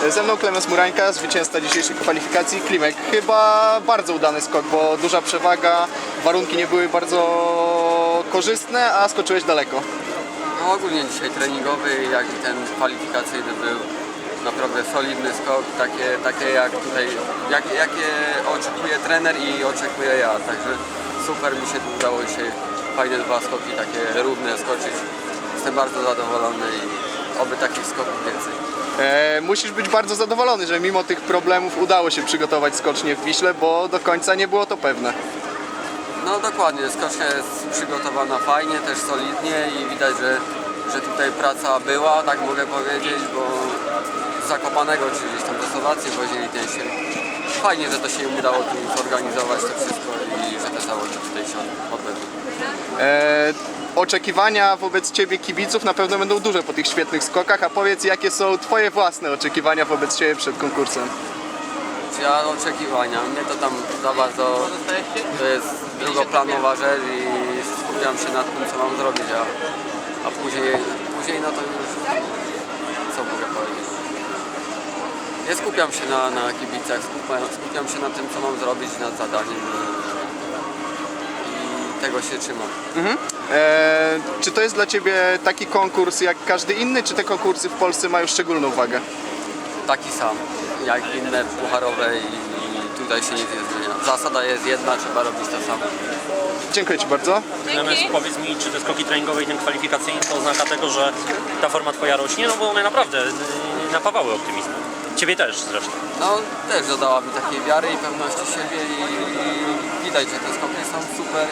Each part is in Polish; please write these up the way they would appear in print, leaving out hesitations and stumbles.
Ze mną Klemens Murańka, zwycięzca dzisiejszych kwalifikacji. Klimek, chyba bardzo udany skok, bo duża przewaga, warunki nie były bardzo korzystne, a skoczyłeś daleko. No ogólnie dzisiaj treningowy, jak i ten kwalifikacyjny był naprawdę solidny skok, takie jak tutaj, jakie oczekuje trener i oczekuję ja, także super mi się tu udało dzisiaj fajne dwa skoki, takie równe skoczyć. Jestem bardzo zadowolony i oby takich skoków więcej. Musisz być bardzo zadowolony, że mimo tych problemów udało się przygotować skocznie w Wiśle, bo do końca nie było to pewne. No dokładnie, skocznia jest przygotowana fajnie, też solidnie i widać, że tutaj praca była, tak mogę powiedzieć, bo z Zakopanego czy gdzieś tam do Słowacji wozili ten się. Fajnie, że to się im udało tu zorganizować to wszystko i że te zawody tutaj się odbędą. Oczekiwania wobec Ciebie kibiców na pewno będą duże po tych świetnych skokach, a powiedz, jakie są Twoje własne oczekiwania wobec Ciebie przed konkursem? Ja oczekiwania, mnie to tam za bardzo, to jest drugoplanowa rzecz i skupiam się nad tym, co mam zrobić, a później no to już, co mogę powiedzieć. Nie skupiam się na kibicach, skupiam się na tym, co mam zrobić, nad zadaniem i tego się trzymam. Czy to jest dla Ciebie taki konkurs jak każdy inny, czy te konkursy w Polsce mają szczególną wagę? Taki sam, jak inne pucharowe i tutaj się nic nie zmienia. Zasada jest jedna, trzeba robić to samo. Dziękuję Ci bardzo. Natomiast powiedz mi, czy te skoki treningowe i ten kwalifikacyjny to oznaka tego, że ta forma Twoja rośnie? No bo one naprawdę napawały optymizmem. Ciebie też zresztą. No też dodała mi takiej wiary i pewności siebie i widać, że te skoki są super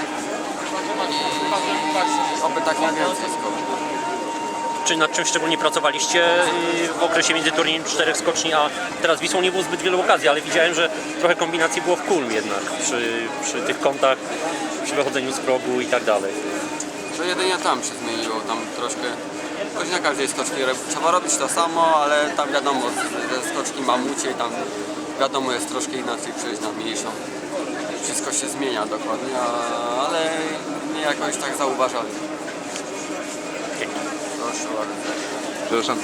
i oby tak nie więcej skoków. Czy nad czym szczególnie pracowaliście w okresie między turniejem 4 skoczni, a teraz Wisłą nie było zbyt wielu okazji, ale widziałem, że trochę kombinacji było w kulm jednak przy tych kątach, przy wychodzeniu z progu i tak dalej. To jedynie tam się zmieniło, tam troszkę, choć na każdej skoczni trzeba robić to samo, ale tam wiadomo, ze skoczni mamucie, tam wiadomo jest troszkę inaczej przejść na mniejszą. Wszystko się zmienia dokładnie, ale nie jakoś tak zauważalnie. Dzięki. Proszę bardzo. Przepraszam.